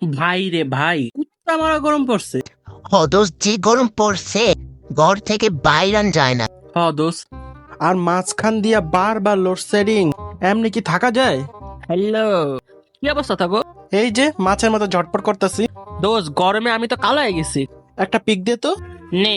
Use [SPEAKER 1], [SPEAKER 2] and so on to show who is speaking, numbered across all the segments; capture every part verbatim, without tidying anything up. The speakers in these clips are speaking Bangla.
[SPEAKER 1] ভাই রে ভাই, কুত্তা মারা গরম পড়ছে।
[SPEAKER 2] হ দোস্ত, যে গরম পড়ছে ঘর থেকে বাইরান যায় না।
[SPEAKER 1] হ দোস্ত।
[SPEAKER 3] আর মাঝখান দিয়া বারবার লোডশেডিং, এমনি কি থাকা যায়?
[SPEAKER 1] হ্যালো, কি অবস্থা থাকো?
[SPEAKER 3] এই যে মাছের মতো ঝটপট করতেছি।
[SPEAKER 1] দোস্ত, গরমে আমি তো কালো হয়ে গেছি।
[SPEAKER 3] একটা পিক দে তো।
[SPEAKER 1] নেই।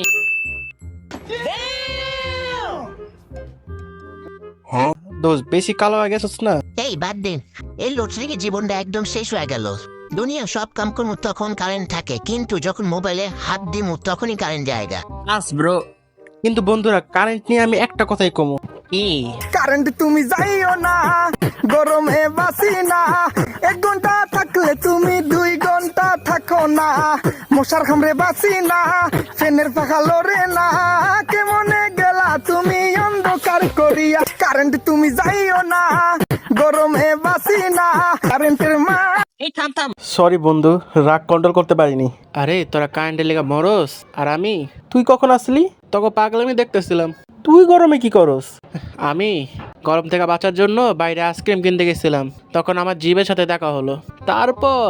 [SPEAKER 3] দোস্ত বেশি কালো হয়ে গেছিস না?
[SPEAKER 2] এই বাদ দিন, এই লোডশেডিং এর জীবনটা একদম শেষ হয়ে গেল। দুনিয়া সব কাম করবো তখন কারেন্ট থাকে, কিন্তু যখন মোবাইলে হাত দিমু তখনই কারেন্ট জায়গা।
[SPEAKER 1] আস ব্রো।
[SPEAKER 3] কিন্তু বন্ধুরা, কারেন্ট নিয়ে আমি একটা কথাই কমু।
[SPEAKER 1] কি?
[SPEAKER 4] কারেন্ট তুমি যাইও না, গরমে বাসি না। এক ঘন্টা থাকলে তুমি দুই ঘন্টা থাকো না। মশার খামরে বাসি না, ফ্যানের পাখা লড়ে না। কেমনে গেলা তুমি অন্ধকার করিয়া। কারেন্ট তুমি যাইও না, গরমে বাসি না। কারেন্টের মা।
[SPEAKER 1] এই থাম থাম।
[SPEAKER 3] সরি বন্ধু, রাগ কন্ট্রোল করতে পারিনি।
[SPEAKER 1] আরে তোরা কারেন্টের লেগা মরস, আর আমি
[SPEAKER 3] তুই কখন আসলি?
[SPEAKER 1] তোকে পাগলামি দেখতেছিলাম।
[SPEAKER 3] তুই গরমে কি করস?
[SPEAKER 1] আমি গরম থেকে বাঁচার জন্য বাইরে আইসক্রিম কিনতে গেছিলাম, তখন আমার জিভের সাথে দেখা হলো। তারপর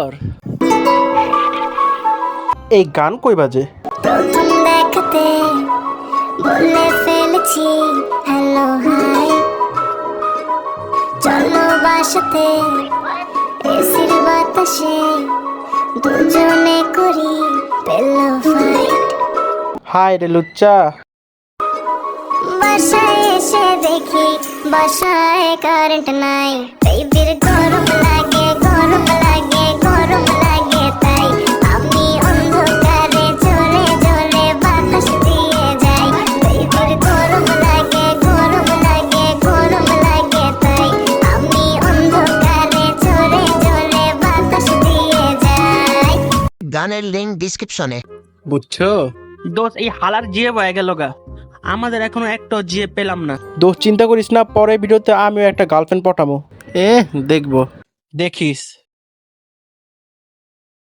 [SPEAKER 3] এই গান কই বাজে?
[SPEAKER 5] প্রথম দেখাতে বলে ফেলেছি হ্যালো হাই, চলো বাসাতে এসির বাতাসে দুজনে করি পেলো ফাইট।
[SPEAKER 3] হাই রে লুচ্চা।
[SPEAKER 5] বাসায় এসে দেখি বাসায় কারেন্ট নাই। বেবির গরম লাগে, গরম লাগে, গরম লাগে, তাই আমি অন্ধকারে জোরে জোরে বাতাস দিয়ে যাই। বেবির গরম লাগে, গরম লাগে, গরম লাগে, তাই আমি অন্ধকারে জোরে জোরে বাতাস দিয়ে যাই।
[SPEAKER 2] গানের লিঙ্ক ডিসক্রিপশনে।
[SPEAKER 3] বুঝছো?
[SPEAKER 1] দোস্ত, এই হালার জিয়ে বয়ে গেল গা। আমাদের এখনো একটা জিয়ে পেলাম না।
[SPEAKER 3] দোস্ত চিন্তা করিস না, পরের ভিডিওতে আমিও একটা গার্লফ্রেন্ড পটামো। এ দেখবো।
[SPEAKER 1] দেখিস।